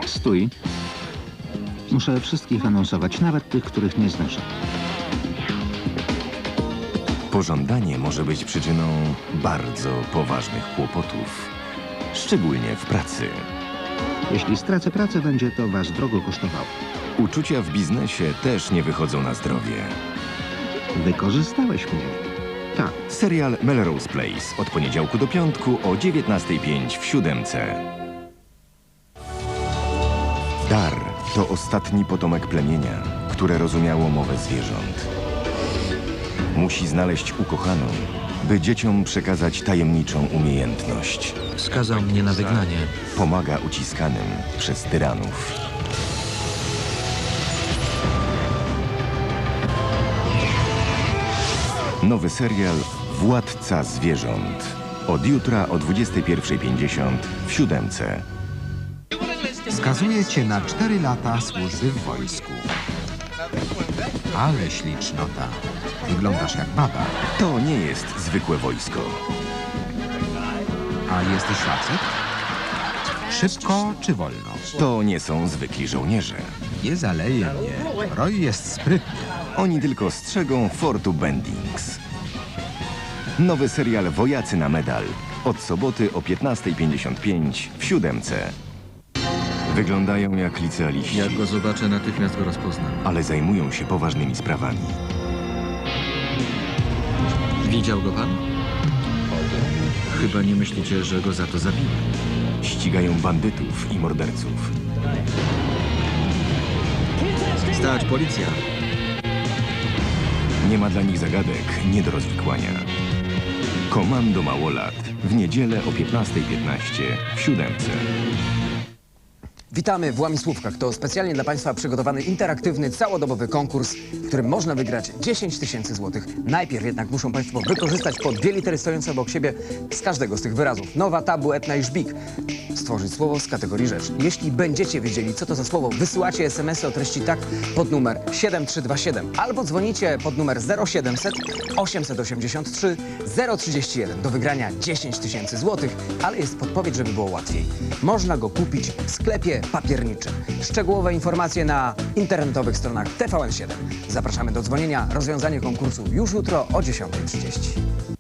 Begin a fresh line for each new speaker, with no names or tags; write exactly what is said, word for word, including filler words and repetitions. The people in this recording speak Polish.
Stój. Muszę wszystkich anonsować, nawet tych, których nie znoszę.
Pożądanie może być przyczyną bardzo poważnych kłopotów, szczególnie w pracy.
Jeśli stracę pracę, będzie to was drogo kosztowało.
Uczucia w biznesie też nie wychodzą na zdrowie.
Wykorzystałeś mnie. Tak.
Serial Melrose Place od poniedziałku do piątku o dziewiętnastej pięć w siódemce. Dar to ostatni potomek plemienia, które rozumiało mowę zwierząt. Musi znaleźć ukochaną, by dzieciom przekazać tajemniczą umiejętność.
Skazał mnie na wygnanie.
Pomaga uciskanym przez tyranów. Nowy serial Władca Zwierząt. Od jutra o dwudziestej pierwszej pięćdziesiąt w siódemce.
Skazuje cię na cztery lata służby w wojsku. Ale ślicznota. Wyglądasz jak baba.
To nie jest zwykłe wojsko.
A jesteś facet? Szybko czy wolno?
To nie są zwykli żołnierze.
Nie zaleje mnie. Roy jest sprytny.
Oni tylko strzegą Fortu Bendings. Nowy serial Wojacy na medal. Od soboty o piętnastej pięćdziesiąt pięć w siódemce. Wyglądają jak licealiści,
Jak go zobaczę, natychmiast go rozpoznam.
ale zajmują się poważnymi sprawami.
Widział go pan? Chyba nie myślicie, że go za to zabiłem.
Ścigają bandytów i morderców.
Stać, policja!
Nie ma dla nich zagadek, nie do rozwikłania. Komando Małolat. W niedzielę o piętnastej piętnaście w siódemce.
Witamy w Łamisłówkach. To specjalnie dla Państwa przygotowany interaktywny, całodobowy konkurs, w którym można wygrać dziesięć tysięcy złotych. Najpierw jednak muszą Państwo wykorzystać po dwie litery stojące obok siebie z każdego z tych wyrazów. Nowa, tabu, etna i żbik. Stworzyć słowo z kategorii rzecz. Jeśli będziecie wiedzieli, co to za słowo, wysyłacie es em esy o treści tak pod numer siedem trzy dwa siedem albo dzwonicie pod numer zero siedemset osiemset osiemdziesiąt trzy zero trzydzieści jeden. Do wygrania dziesięć tysięcy złotych, ale jest podpowiedź, żeby było łatwiej. Można go kupić w sklepie papierniczym. Szczegółowe informacje na internetowych stronach T V N siedem. Zapraszamy do dzwonienia. Rozwiązanie konkursu już jutro o dziesiątej trzydzieści.